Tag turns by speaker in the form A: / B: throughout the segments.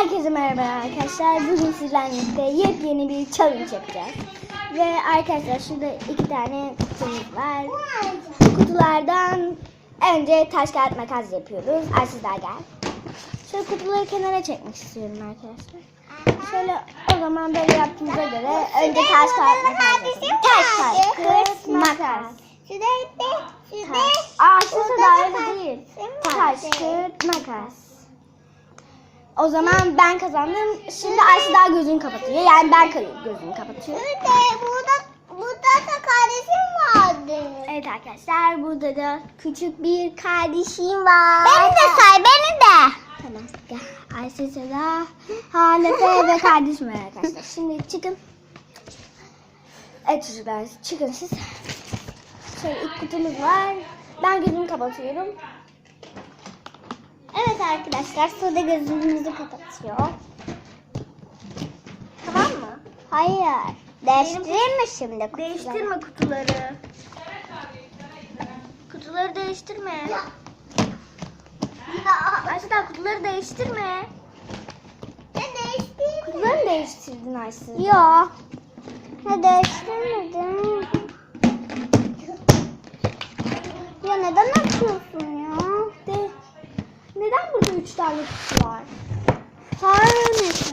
A: Herkese merhaba arkadaşlar. Bugün sizlerle birlikte yepyeni bir challenge yapacağız. Ve arkadaşlar şurada 2 tane kutumuz var. Bu kutulardan önce taş kağıt makas yapıyoruz. Arsızlar gel. Şöyle kutuları kenara çekmek istiyorum arkadaşlar. Şöyle o zaman böyle yaptığımıza göre önce taş kağıt makas yapalım. Taş kağıt makas. Arsızı da öyle değil. Taş kağıt makas. O zaman ben kazandım. Şimdi Ayşe daha gözünü kapatıyor. Yani ben gözünü kapatıyorum.
B: Burada da kardeşim vardı.
A: Evet arkadaşlar, burada da küçük bir kardeşim var.
B: Beni de say, beni de.
A: Tamam gel. Ayşe, Seda, Halefe ve kardeşim var arkadaşlar. Şimdi çıkın. Evet çocuklar, çıkın siz. Şöyle ilk kutumuz var. Ben gözümü kapatıyorum.
B: Evet arkadaşlar, Sude gözümüzü kapatıyor.
A: Tamam mı?
B: Hayır. Değiştireyim mi şimdi kutuları?
A: Değiştirme kutuları. Kutuları değiştirme. Ayşe daha kutuları değiştirme.
B: Ne değiştireyim?
A: Kutuları mı değiştirdin Ayşe?
B: Yok. Ne değiştirmedim. Ya neden açıyorsun ya?
A: Neden burada 3 tane kutu var?
B: Sarılmasın.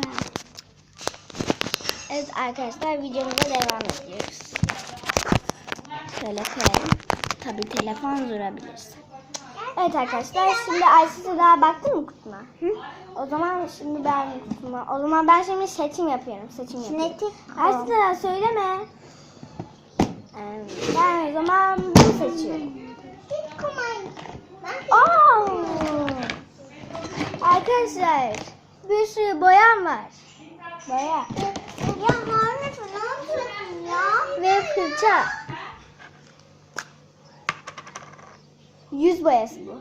A: Evet arkadaşlar, videomuza devam ediyoruz. Şöyle koyalım. Tabii telefon durabilirse. Evet arkadaşlar, şimdi Ayşe daha baktın mı kutuma? Hı? O zaman şimdi ben kutuma. O zaman ben şimdi seçim yapıyorum.
B: Kinetik.
A: Ayşe daha söyleme. Ben o zaman bunu seçiyorum. Aa! Arkadaşlar, bir sürü boyam var. Boya.
B: Ya Harun ne yapıyorsun ya?
A: Ve fırça. Yüz boyası bu.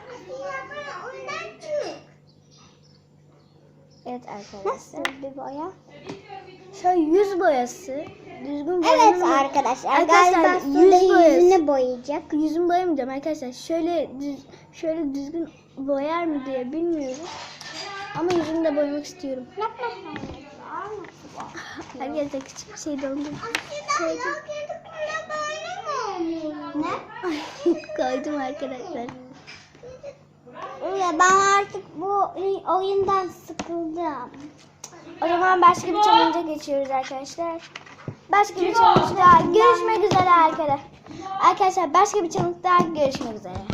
A: Evet arkadaşlar.
B: Nasıl bir boya?
A: Şöyle yüz boyası. Düzgün
B: Evet
A: boyanır mı?
B: arkadaşlar,
A: Arkadaşlar,
B: galiba
A: yüz
B: Sude
A: boyası.
B: yüzünü boyayacak.
A: Yüzümü boyamayacağım arkadaşlar. Şöyle düzgün boyar mı diye bilmiyorum. Ama yüzümü de boyamak istiyorum. Arkadaşlar küçük bir şey dondum.
B: Ne?
A: Koydum arkadaşlar.
B: Ya ben artık bu oyundan sıkıldım.
A: O zaman başka bir challenge'a geçiyoruz arkadaşlar. Başka bir challenge'da görüşmek üzere arkadaşlar. Arkadaşlar başka bir challenge'da görüşmek üzere.